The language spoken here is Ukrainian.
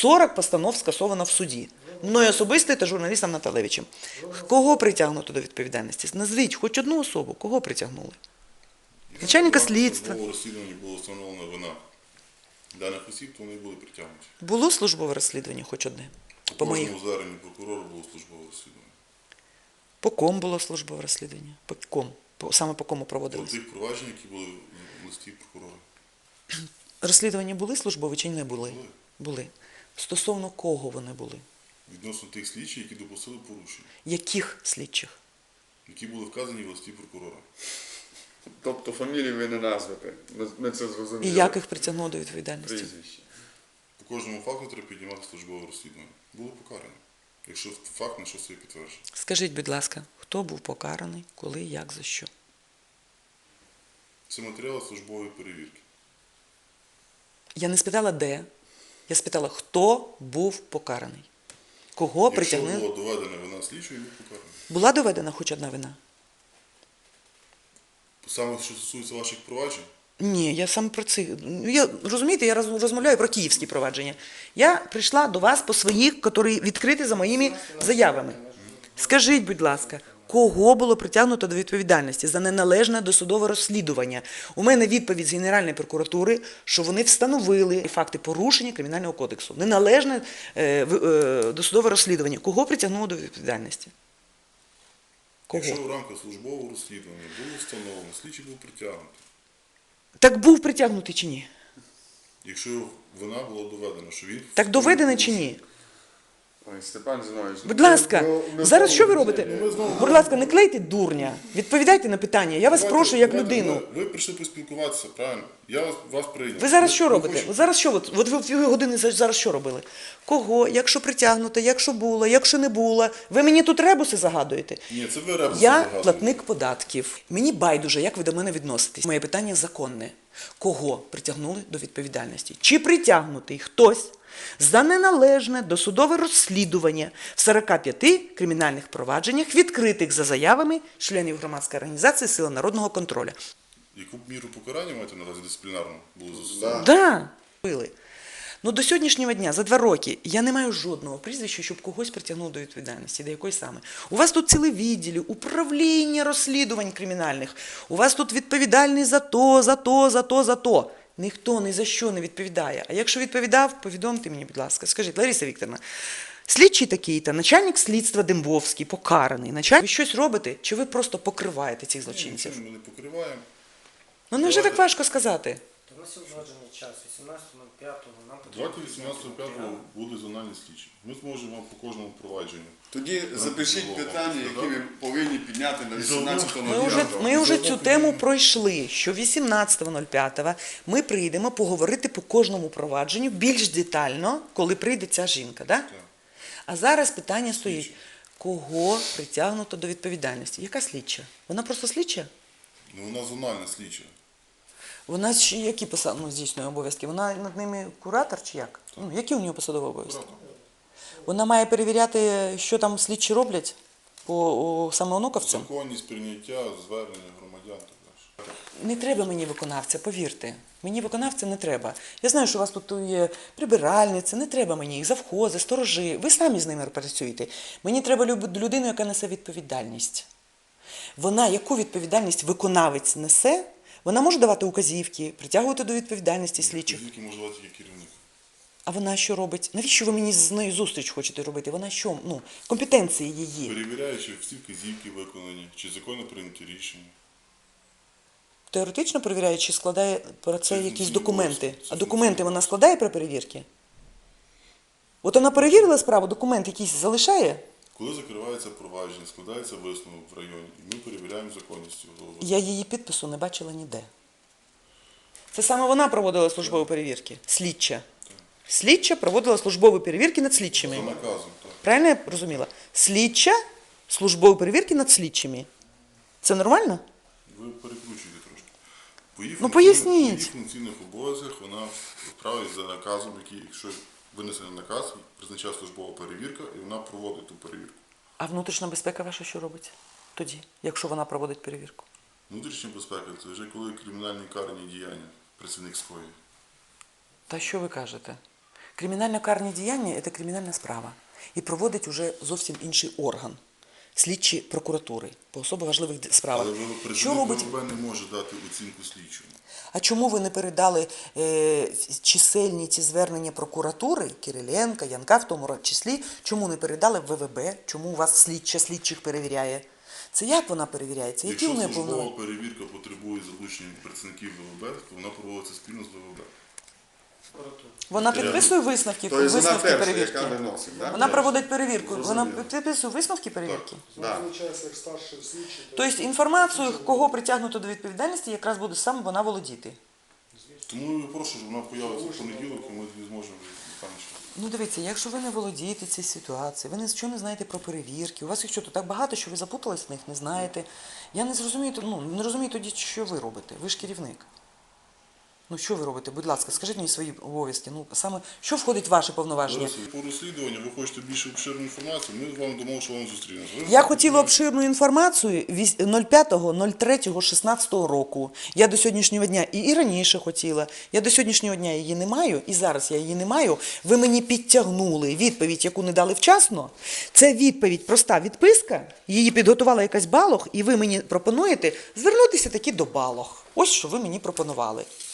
40 постанов скасовано в суді. Мною особисто та журналістом Наталевичем. Кого притягнуто до відповідальності? Назвіть хоч одну особу, кого притягнули? Начальника слідства. В розслідуванні було встановлена вина даних осіб, то вони були притягнуті. Було службове розслідування хоч одне? По кожному зверненню прокурора було службове розслідування. По ком було службове розслідування? По ком? Саме по кому По проводилось? тих проваджень, які були в листі прокурора. Розслідування були службові чи не були? Були. Були. Стосовно кого вони були? Відносно тих слідчих, які допустили порушення, Яких слідчих? які були вказані в листі прокурора. Тобто фамілії ви не назвете. Ми це зрозуміли. І як їх притягнуло до відповідальності? Прізвище. По кожному факту треба піднімати службове розслідування. Було покарано, якщо факт на щось підтверджує. Скажіть, будь ласка, хто був покараний, коли, як, за що? Це матеріали службової перевірки. Я не спитала, де. Я спитала, хто був покараний. Кого Якщо притягнули? була доведена вина слідчого, був покараний. Була доведена хоч одна вина? Саме, що стосується ваших проваджень, Ні, я саме про це. Розумієте, я розмовляю про київські провадження. Я прийшла до вас по своїх, які відкриті за моїми заявами. Скажіть, будь ласка, кого було притягнуто до відповідальності за неналежне досудове розслідування? У мене відповідь з Генеральної прокуратури, що вони встановили факти порушення Кримінального кодексу. Неналежне досудове розслідування. Кого притягнуло до відповідальності? Кого? якщо в рамках службового розслідування було встановлено, слідчий був притягнутий. Так був притягнутий чи ні? Якщо вина була доведена, що він... Так доведено чи ні? Ой, Степан Зінович. Будь ласка, зараз що ви робите? Будь ласка, не клейте дурня. Відповідайте на питання. Я вас прошу як людину. Ви прийшли поспілкуватися, правильно? Я вас прийняв. Ви зараз що Ви робите? хочете- Ви зараз що? От ви в 2 години зараз що робили? Кого? Якщо притягнуто, якщо було, якщо не було. Ви мені тут ребуси загадуєте? Ні, це ви ребуси Я загадуєте. платник податків. Мені байдуже, як ви до мене відноситесь. Моє питання законне. Кого притягнули до відповідальності? Чи притягнутий хтось за неналежне досудове розслідування в 45 кримінальних провадженнях, відкритих за заявами членів громадської організації «Сила народного контролю»? Яку міру покарання маєте на увазі дисциплінарну було застосовано? Да. Били. Ну, до сьогоднішнього дня, за 2 роки, я не маю жодного прізвища, щоб когось притягнув до відповідальності. До якої саме? У вас тут ціле відділі, управління розслідувань кримінальних. У вас тут відповідальний за то, за то, за то, за то. Ніхто ні за що не відповідає. А якщо відповідав, повідомте мені, будь ласка. Скажіть, Лариса Вікторівна, слідчий такий-то, начальник слідства Дембовський, покараний. Ви щось робите, чи ви просто покриваєте цих злочинців? Нічим ми не покриваємо. Ну, не вже так важко сказати. У нас є узгоджений час, 18.05, нам Давайте 18.05 буде зональний слідчий. Ми зможемо вам по кожному провадженню. Тоді запишіть питання, які ви повинні підняти на 18.09. Ми вже цю тему пройшли, що 18.05 ми прийдемо поговорити по кожному провадженню більш детально, коли прийде ця жінка. Да? А зараз питання стоїть, кого притягнуто до відповідальності? Яка слідча? Вона просто слідча? Ну, вона зональна слідча. Вона які здійснює обов'язки? Вона над ними куратор чи як? Ну, які у нього посадові обов'язки? Вона має перевіряти, що там слідчі роблять по саме онуковцям? Законність прийняття, звернення громадян. Так далі. Не треба мені виконавця, повірте. Мені виконавця не треба. Я знаю, що у вас тут є прибиральниці, не треба мені їх, завхози, сторожі. Ви самі з ними працюєте. Мені треба людину, яка несе відповідальність. Вона, яку відповідальність виконавець несе, вона може давати указівки, притягувати до відповідальності слідчих. Тільки може давати тільки керівник. А вона що робить? Навіщо ви мені з нею зустріч хочете робити? Вона що? Ну, компетенції її. Перевіряє, чи всі вказівки виконані, чи законно прийняті рішення. Теоретично перевіряє, чи складає про це Це якісь функційний документи. обов'язок. А документи вона складає при перевірці? От вона перевірила справу, документ якийсь залишає? Коли закривається провадження, складається висновок в районі, і ми перевіряємо законність цього. Я її підпису не бачила ніде. Це саме вона проводила службові перевірки? Слідча. Слідча проводила службові перевірки над слідчими. За наказом, так. Правильно я розуміла? Слідча службові перевірки над слідчими. Це нормально? Ви перекручуєте трошки. По її Ну, функційних- поясніть. По її функційних обов'язках вона вправить за наказом, який, якщо винесений наказ, призначає службова перевірка, і вона проводить ту перевірку. А внутрішня безпека ваша що робить тоді, якщо вона проводить перевірку? Внутрішня безпека – це вже коли кримінальні карні діяння працівник скоює. Та що ви кажете? Кримінально-карні діяння – це кримінальна справа. І проводить уже зовсім інший орган. Слідчі прокуратури по особо важливих справах. Але Що представник робить? ВВБ не може дати оцінку слідчому. А чому ви не передали чисельні ці звернення прокуратури, Кириленка, Янка в тому числі, чому не передали в ВВБ, чому у вас слідчих перевіряє? Це як вона перевіряється? Які Якщо вони службова повинні? перевірка потребує залучення працівників ВВБ, то вона проводиться спільно з ВВБ. Вона підписує висновки, Тобто вона висновки перша, перевірки? яка виносить, так? Вона проводить перевірку. Вона Зрозуміло. підписує висновки перевірки? Да. Визначається як старший слідчий. Тобто інформацію, кого притягнуто до відповідальності, якраз буде саме вона володіти. Тому я прошу, щоб вона появиться в понеділок, і ми тоді зможемо детальніше. Ну дивіться, якщо ви не володієте цією ситуацією, ви нічого не знаєте про перевірки, у вас їх що, то так багато, що ви запутались в них, не знаєте. Я не зрозумію, не розумію тоді, що ви робите. Ви ж керівник. Ну що ви робите? Будь ласка, скажіть мені свої обов'язки. Ну саме, що входить в ваше повноваження? Зараз по розслідуванню ви хочете більш обширну інформацію, ми вам дамо, що вам зустрінемося. Я хотіла обширну інформацію 05.03.16 року. Я до сьогоднішнього дня і раніше хотіла. Я до сьогоднішнього дня її не маю, і зараз я її не маю. Ви мені підтягнули відповідь, яку не дали вчасно. Це відповідь, проста відписка, її підготувала якась Балох, і ви мені пропонуєте звернутися таки до Балох. Ось що ви мені пропонували.